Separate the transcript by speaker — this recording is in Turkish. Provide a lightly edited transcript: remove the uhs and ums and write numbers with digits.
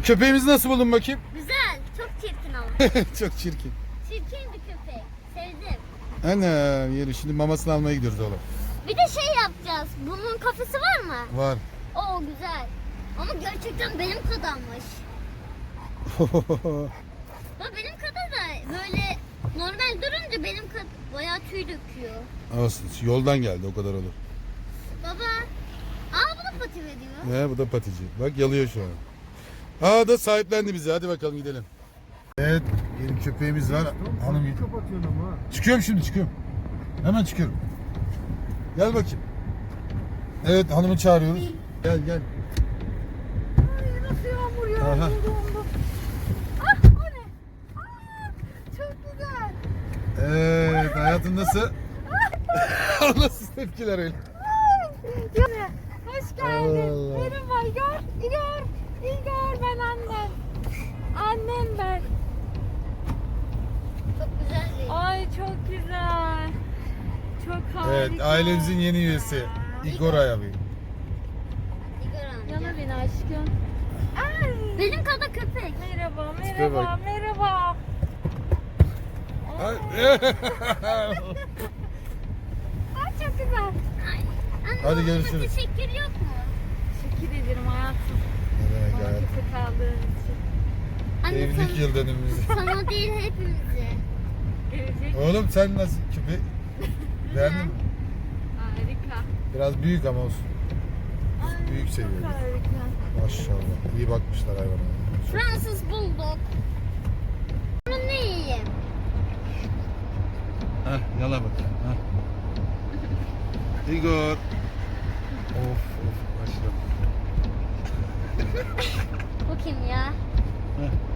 Speaker 1: Köpeğimizi nasıl buldun bakayım?
Speaker 2: Güzel. Çok çirkin ama.
Speaker 1: Çok çirkin.
Speaker 2: Çirkin bir köpek. Sevdim.
Speaker 1: Ana yeri şimdi mamasını almaya gidiyoruz oğlum.
Speaker 2: Bir de şey yapacağız. Bunun kafesi var mı?
Speaker 1: Var.
Speaker 2: Oo güzel. Ama gerçekten benim kadarmış. Bak benim kadar da böyle normal durunca benim kadar bayağı tüy döküyor.
Speaker 1: Olsun. Yoldan geldi o kadar olur.
Speaker 2: Baba. Aa bu da pati veriyor.
Speaker 1: Bu da patici. Bak yalıyor şu an. Aa da sahiplendi bizi. Hadi bakalım gidelim. Evet. Yeni köpeğimiz var. Hanım
Speaker 3: Kapatıyorsun ama.
Speaker 1: çıkıyorum şimdi çıkıyorum. Hemen çıkıyorum. Gel bakayım. Evet hanımı çağırıyoruz. Gel gel.
Speaker 3: Ay nasıl yağmur ya.
Speaker 1: Aha.
Speaker 3: Ah o ne? Aa, çok güzel.
Speaker 1: Evet hayatın nasıl? Nasıl tepkiler öyle?
Speaker 3: Yani, hoş geldin.
Speaker 1: Allah.
Speaker 3: Merhaba Igor. Igor ben annen. Annen ben.
Speaker 2: Çok güzel değil.
Speaker 3: Ay çok güzel. Çok harika.
Speaker 1: Evet ailemizin yeni üyesi. Igor abi.
Speaker 2: Igor amca.
Speaker 3: Yana beni aşkım. Ay.
Speaker 2: Benim kadar köpek.
Speaker 3: Merhaba,
Speaker 1: Tipe bak.
Speaker 3: merhaba.
Speaker 1: Ay.
Speaker 3: Ay çok güzel.
Speaker 2: Ay. Anne,
Speaker 1: Hadi
Speaker 2: baba,
Speaker 1: görüşürüz.
Speaker 2: Teşekkür yok mu?
Speaker 3: Teşekkür ederim hayatım.
Speaker 1: Ne demek
Speaker 3: Bana
Speaker 1: hayatım?
Speaker 3: köpek aldığın için.
Speaker 2: Anne
Speaker 1: Evlilik yıl dönümümüz.
Speaker 2: sana değil hepimize.
Speaker 3: Gelecek.
Speaker 1: Oğlum sen nasıl köpek? Beğendin mi?
Speaker 3: Harika.
Speaker 1: Biraz büyük ama olsun.
Speaker 3: Ay,
Speaker 1: Büyük
Speaker 3: çok
Speaker 1: seviyoruz.
Speaker 3: harika.
Speaker 1: Maşallah. İyi bakmışlar hayvana. Çok-
Speaker 2: Fransız bulldog. Bunu ne yiyeyim?
Speaker 1: Heh, yala bakayım. Heh. Igor. Of of maşallah.
Speaker 2: Bu kim ya?
Speaker 1: Heh.